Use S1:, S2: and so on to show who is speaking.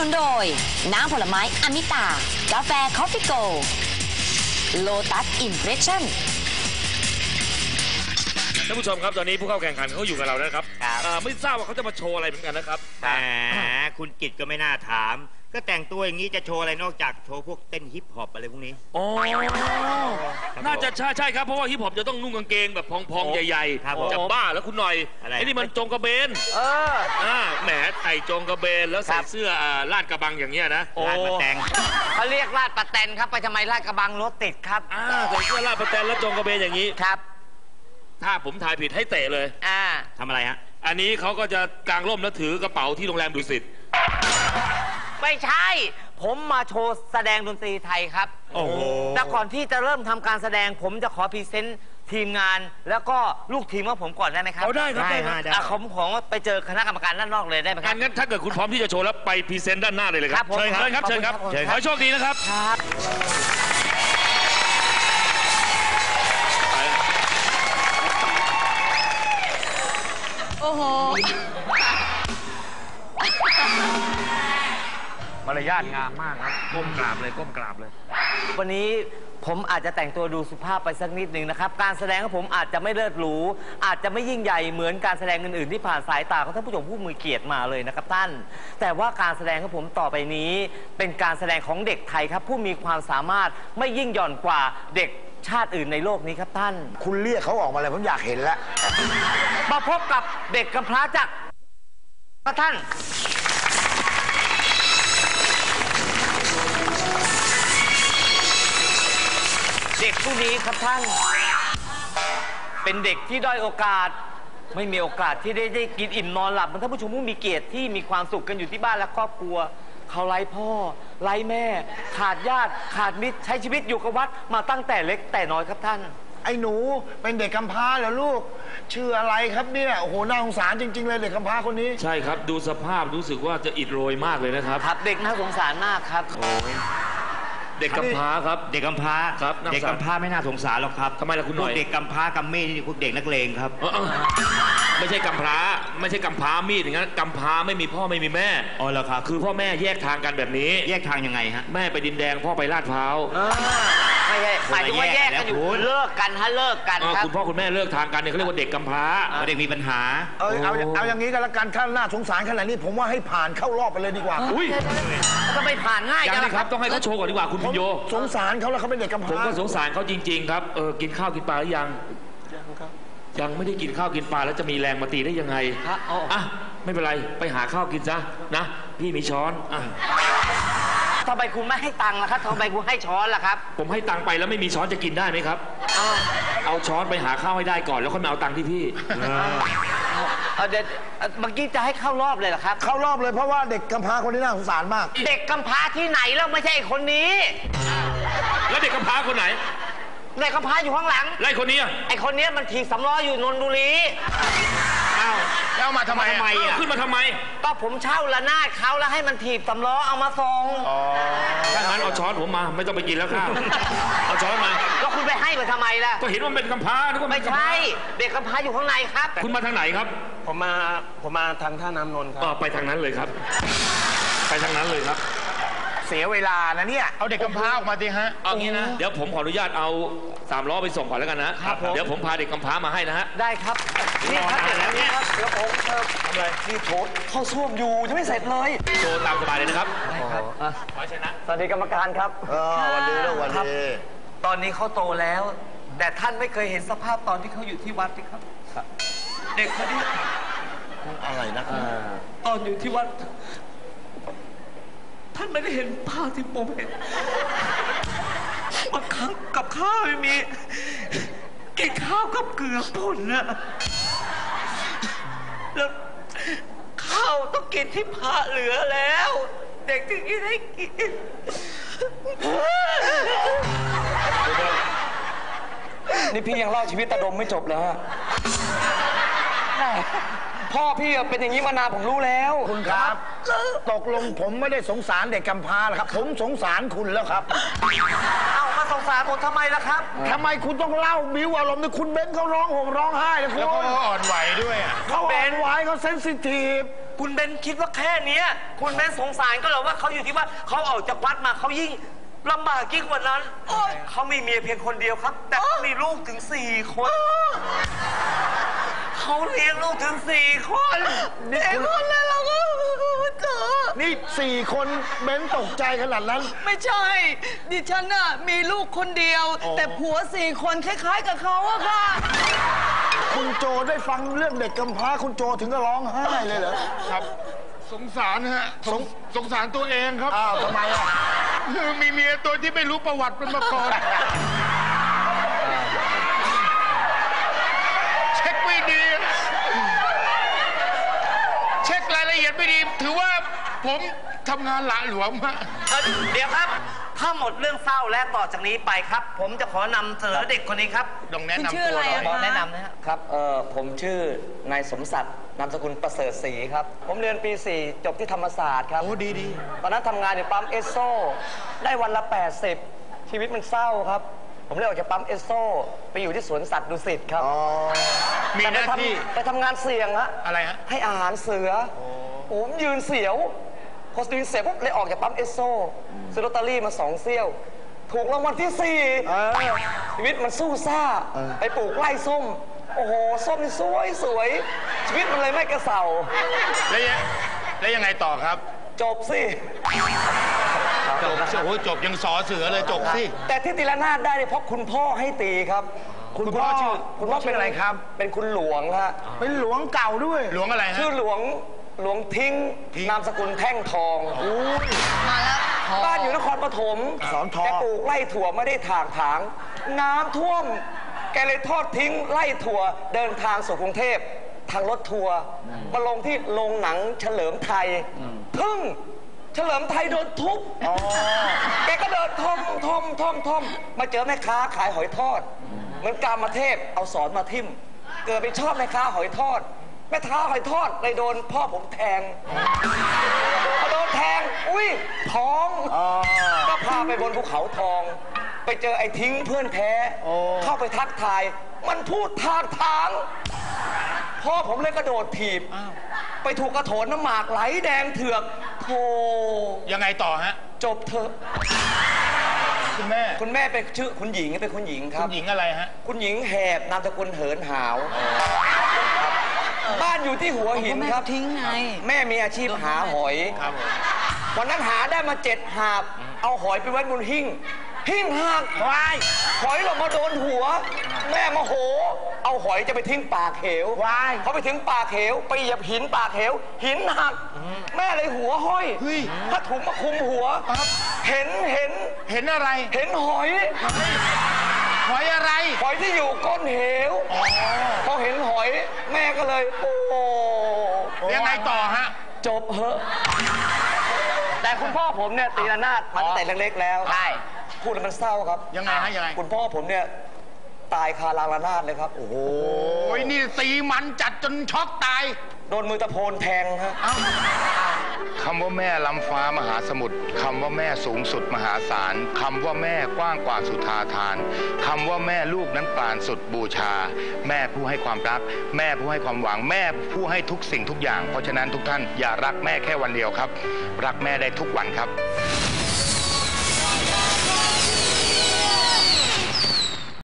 S1: นุนโดยน้ำผลไม้อมิตากาแฟคอฟฟี่โกโลตัสอิมเพรสชั่น
S2: ท่านผู้ชมครับตอนนี้ผู้เข้าแข่งขันเขาอยู่กับเราแล้วครับไม่ทราบว่าเขาจะมาโชว์อะไรเหมือนกันนะครับ
S3: แหมคุณกิตก็ไม่น่าถามก็แต่งตัวอย่างนี้จะโชว์อะไรนอกจากโชว์พวกเต้นฮิปฮอปอะไรพวกนี้
S2: อ๋อน่าจะใช่ครับเพราะว่าฮิปฮอปจะต้องนุ่งกางเกงแบบพองๆใหญ่ๆจะบ้าแล้วคุณหน่อยไอ้นี่มันจงกระเบนแหมใส่จงกระเบนแล้วใส่เสื้อลาดกระบังอย่างเงี้ยนะ
S3: ลาดปะแตง
S4: เขาเรียกลาดปะแตนครับไปทำไมลาดกระบังรถติดครับ
S2: ใส่เสื้อลาดปะแตนแล้วจงกระเบนอย่างนี้
S4: ครับ
S2: ถ้าผมทายผิดให้เตะเลย
S3: ทำอะไรฮะ
S2: อันนี้เขาก็จะกางร่มแล้วถือกระเป๋าที่โรงแรมดุสิต
S4: ไม่ใช่ผมมาโชว์แสดงดนตรีไทยครับ
S3: โอ้โห
S4: แต่ก่อนที่จะเริ่มทำการแสดงผมจะขอพรีเซนต์ทีมงานแล้วก็ลูกทีมของผมก่อนได้ไหมครับ
S2: ได้ครับ
S4: ได้ผมไปเจอคณะกรรมการด้านนอกเลยได้ไหมครับ
S2: งั้นถ้าเกิดคุณพร้อมที่จะโชว์แล้วไปพรีเซนต์ด้านหน้าเลยเลยครับเชิญครับเชิญครับขอให้โชคดีนะครับ
S4: โอ้โห
S2: มารยาทงามมากครับก้มกราบเลย
S4: วันนี้ผมอาจจะแต่งตัวดูสุภาพไปสักนิดหนึ่งนะครับการแสดงของผมอาจจะไม่เลิศหรูอาจจะไม่ยิ่งใหญ่เหมือนการแสดงอื่นๆที่ผ่านสายตาของท่านผู้ชมผู้มีเกียรติมาเลยนะครับท่านแต่ว่าการแสดงของผมต่อไปนี้เป็นการแสดงของเด็กไทยครับผู้มีความสามารถไม่ยิ่งหย่อนกว่าเด็กชาติอื่นในโลกนี้ครับท่าน
S5: คุณเรียกเขาออกมาเลยผมอยากเห็นแล้ว
S4: มาพบกับเด็กกำพร้าจากท่านเด็กผู้นี้ครับท่านเป็นเด็กที่ด้อยโอกาสไม่มีโอกาสที่ได้กินอิ่มนอนหลับท่านผู้ชมผู้มีเกียรติที่มีความสุขกันอยู่ที่บ้านและครอบครัวเขาไร้พ่อไร้แม่ขาดญาติขาดมิตรใช้ชีวิตอยู่กับวัดมาตั้งแต่เล็กแต่น้อยครับท่าน
S5: ไอ้หนูเป็นเด็กกำพร้าเหรอลูกชื่ออะไรครับเนี่ยโอ้โหน่าสงสารจริงๆเลยเด็กกำพร้าคนนี้
S2: ใช่ครับดูสภาพรู้สึกว่าจะอิดโรยมากเลยนะครับ
S4: ครับเด็กน่าสงสารมากครับ
S2: เด็กกำพร้าครับ
S3: เด็กกำพร้า
S2: ครับ
S3: เด็กกำพร้าไม่น่าสงสารหรอกครับ
S2: ทำไมล่ะคุณหน่อย
S3: เด็กกำพร้ากัมมี่นี่พวกเด็กนักเลงครับ
S2: ไม่ใช่กำพร้าไม่ใช่กำพร้ามีดอย่างนั้นกำพร้าไม่มีพ่อไม่มีแม่
S3: อ๋อเหรอครับ
S2: คือพ่อแม่แยกทางกันแบบนี้
S3: แยกทางยังไงฮะ
S2: แม่ไปดินแดงพ่อไปลาดพร้าว
S4: ไม่ใช่หมายถึงว่าแยกกันอยู่เลิกกันเลิกกันครับ
S2: คุณพ่อคุณแม่เลิกทางกันเนี่ยเขาเรียกว่าเด็กกำพร้า
S3: เด็กมีปัญหา
S5: เอาอย่างนี้กันละกันถ้าน่าสงสารขนาดนี้ผมว่าให้ผ่านเข้ารอบไปเลยดีกว่า
S2: อุ้ย
S4: ก็ไม่ผ่านง่าย
S2: อย่างนี้ครับต้องให้เขาโชว์ก่อนดีกว่าคุณพิญโย
S5: สงสารเขาแล้วเขาเป็นเด็กกำพร้า
S2: ผมก็สงสารเขาจริงๆครับกินข้าวกินปลาหรือยังยังไม่ได้กินข้าวกินปลาแล้วจะมีแรงมาตีได้ยังไงไม่เป็นไรไปหาข้าวกินซะนะพี่มีช้อน
S4: ทำไมคุณไม่ให้ตังค์ล่ะครับทำไมคุณให้ช้อนล่ะครับ
S2: ผมให้ตังค์ไปแล้วไม่มีช้อนจะกินได้ไหมครับเอาช้อนไปหาข้าวให้ได้ก่อนแล้วค่อยมาเอาตังค์ที่พี่
S4: เดี๋ยวเมื่อกี้จะให้เข้ารอบเลยเหรอครับ
S5: เข้ารอบเลยเพราะว่าเด็กกำพร้าคนนี้น่าสงสารมาก
S4: เด็กกำพร้าที่ไหนแล้วไม่ใช่คนนี้
S2: แล้วเด็กกำพร้าคนไหน
S4: เด็กกำพร้าอยู่ข้างหลัง
S2: ไล่คนนี้
S4: ไอ้คนนี้มันถีบสำล้ออยู่นนทบุรี
S5: แล้วมาทำไม
S2: ขึ้นมาทำไม
S4: ก็ผมเช่าละนาดเขาแล้วให้มันถีบสำล้อเอามาส่ง
S2: ถ้างั้นเอาช้อนผมมาไม่ต้องไปกินแล้วข้าวเอาช้อนมา
S4: ก็คุณไปให้มันทำไมล่ะ
S2: ก็เห็นว่าเป็นกำพร้านึกว่า
S4: ไม่ใช่เด็กกำพร้าอยู่ข้างในครับ
S2: คุณมาทางไหนครับ
S6: ผมมาทางท่าน้ำนนท์ครับ
S2: ไปทางนั้นเลยครับไปทางนั้นเลยครับ
S5: เสียเวลานะเนี่ยเอาเด็กกำพร้าออกมาดิฮะ
S2: เอางี้นะเดี๋ยวผมขออนุญาตเอา3 ล้อไปส่งก่อนแล้วกันนะครับเดี๋ยวผมพาเด็กกำพร้ามาให้นะฮะ
S4: ได้ครับนี่ครับเดี๋ยวผมทำอะไรนี่โถเข้าซ่วมอยู่ยังไม่เสร็จเลย
S2: โชว์ตามสบายเลยนะครับ
S4: ได้ครับ
S2: ขอชนะ
S4: สวัสดีกรรมการครับ
S5: วันดีแล้ววันดี
S4: ตอนนี้เขาโตแล้วแต่ท่านไม่เคยเห็นสภาพตอนที่เขาอยู่ที่วัดนี่ครับเด็กคนนี้
S5: อะไรนะ
S4: ตอนอยู่ที่วัดท่านไม่ได้เห็นภาพที่ผมเห็นบางครั้งกับข้าวไม่มีกินข้าวกับเกลือป่นนะแล้วข้าวต้องกินที่พระเหลือแล้วเด็กถึงจะได้กินนี่พี่ยังเล่าชีวิตตาดมไม่จบเลยฮะพ่อพี่เป็นอย่างนี้มานานผมรู้แล้ว
S5: คุณครับตกลงผมไม่ได้สงสารเด็กกำพร้าหรอกครับผมสงสารคุณแล้วครับ
S4: เอามาสงสารผมทำไมล่ะครับ
S5: ทำไมคุณต้องเล่าบิ้วอารมณ์ในคุณเบนเขาร้องห่มร้องไห้เลยคุณ
S6: แล้วเขาอ่อนไหวด้วย
S5: เขาอ่อนไหวเขาเซนซิทีฟ
S4: คุณเบนคิดว่าแค่เนี้ยคุณเบนสงสารก็เหรอว่าเขาอยู่ที่ว่าเขาออกจากวัดมาเขายิ่งลำบากยิ่งกว่านั้นเขามีเมียเพียงคนเดียวครับ แต่เขามีลูกถึง4 คนเขาเลี้ยงลูกถึง4 คน
S5: คนแล้วเราก็เจอนี่4 คนเบนตกใจขนาดนั้น
S7: ไม่ใช่ ดิฉันน่ะมีลูกคนเดียว แต่ผัว4 คนคล้ายๆกับเขาอะค่ะ
S5: คุณโจได้ฟังเรื่องเด็กกำพร้าคุณโจถึงก็ร้องไห้เลยเหรอ
S8: ครับ สงสารฮะสงสารตัวเองครับ
S5: อ้าวทำไมอ่ะ
S8: คือมีเมียตัวที่ไม่รู้ประวัติเป็นมาก่อนเช็คไม่ดี เช็ครายละเอียดไม่ดี ถือว่าผมทำงานหละหลวมฮะ
S4: เดี๋ยวครับ ถ้าหมดเรื่องเศร้าและต่อจากนี้ไปครับ ผมจะขอนำเสนอเด็กคนนี้ครับ
S8: ต้องแนะ
S7: คุณ
S8: นำ
S7: ชื่อ
S8: ตัว
S7: อะไร
S8: หน่อย
S7: อะ
S4: ขอ
S7: คะ
S4: แนะนำนะครับ
S9: ครับผมชื่อนายสมศักดิ์นามสกุลประเสริฐศรีครับ ผมเรียนปี 4 จบที่ธรรมศาสตร์ครับ
S8: โอ้ดี
S9: ตอนนั้นทำงานอยู่ปั๊มเอสโซได้วันละ 80 ชีวิตมันเศร้าครับ ผมเลยออกจากปั๊มเอสโซไปอยู่ที่สวนสัตว์ดุสิตครับ
S8: มีหน้าที่
S9: ไปทำงานเสี่ยงฮะ
S8: อะไรฮะ
S9: ให้อาหารเสือผมยืนเสียวพอยืนเสียวปุ๊บเลยออกจากปั๊มเอสโซซื้อลอตเตอรี่มา2 เซี่ยว ถูกรางวัลที่ 4ชีวิตมันสู้ซ่าไปปลูกไร่ส้ม โอ้โห ส้มนี่สวยชีวิตมันเลยไม่กระเสา
S8: แล้วยังไงต่อครับ
S9: จบสิ
S8: จบโอ้โหจบยังสอเสือเลยจบสิ
S9: แต่ที่ตีละนาดได้เนี่ยเพราะคุณพ่อให้ตีครับ
S5: คุณพ่อชื่ออะไรครับ
S9: เป็นคุณหลวงฮะ
S5: เป็นหลวงเก่าด้วย
S8: หลวงอะไรฮะ
S9: ชื่อหลวงทิ้งนามสกุลแท่งทอง
S7: มาแล้ว
S9: บ้านอยู่นครปฐม
S5: สอนทอง
S9: แกปลูกไร่ถั่วไม่ได้ถางน้ำท่วม แกเลยทอดทิ้งไร่ถั่วเดินทางสู่กรุงเทพทางรถทัวร์มาลงที่โรงหนังเฉลิมไทยทึ่งเฉลิมไทยโดนทุบแกก็เดินท่อมมาเจอแม่ค้าขายหอยทอดเหมือนกามเทพเอาสอนมาทิ่มเกิดไปชอบแม่ค้าหอยทอดแม่ค้าหอยทอดเลยโดนพ่อผมแทงพอโดนแทงอุ้ยท้องก็พาไปบนภูเขาทอง ไปเจอไอ้ทิ้งเพื่อนแท้เข้าไปทักทาย มันพูดทางพ่อผมเลยกระโดดถีบไปถูกกระโถนน้ำหมากไหลแดงเถือกโธ่
S8: ยังไงต่อฮะ
S9: จบเถอะ
S8: คุณแม่
S9: คุณแม่เป็นชื่อคุณหญิงเป็นคุณหญิงค
S8: คุ
S9: รับ
S8: ณหญิงอะไรฮะ
S9: คุณหญิงแหบนามสกุลเหินหาวบ้านอยู่ที่หัวหินครับ
S7: ทิ้งไง
S9: แม่มีอาชีพหาหอย
S8: ครับผม
S9: วันนั้นหาได้มา7 หาบ เอาหอยไปไว้บนหิ้งหักหอยหล่นมาโดนหัว แม่โมโห เอาหอยจะไปทิ้งปากเหวเขาไปถึงปากเหวไปเหยียบหินปากเหวหินหัก แม่เลยหัวห้อยผ้าถุงมาคลุมหัว เห็น
S8: เห็นอะไร
S9: เห็นหอย
S8: หอยอะไร
S9: หอยที่อยู่ก้นเหวพอเห็นหอย แม่ก็เลยโอ้
S8: ยังไงต่อฮะ
S9: จบเหอะแต่คุณพ่อผมเนี่ยตีระนาดมาตั้งแต่เล็กๆแล้วใช่พูดแล้วมันเศร้าครับ
S8: ยังไงฮะยังไง
S9: คุณพ่อผมเนี่ยตายคารางระนาดเลยครับ โอ้โห
S8: โอ้ยนี่ตีมันจัดจนช็อกตาย
S9: โดนมือตะโพนแทงฮะ
S10: คำว่าแม่ล้ำฟ้ามหาสมุทรคำว่าแม่สูงสุดมหาศาลคำว่าแม่กว้างกว่าสุธาทานคำว่าแม่ลูกนั้นปราณสุดบูชา แม่ผู้ให้ความรัก แม่ผู้ให้ความหวัง แม่ผู้ให้ทุกสิ่งทุกอย่าง เพราะฉะนั้นทุกท่านอย่ารักแม่แค่วันเดียวครับ รักแม่ได้ทุกวันครับ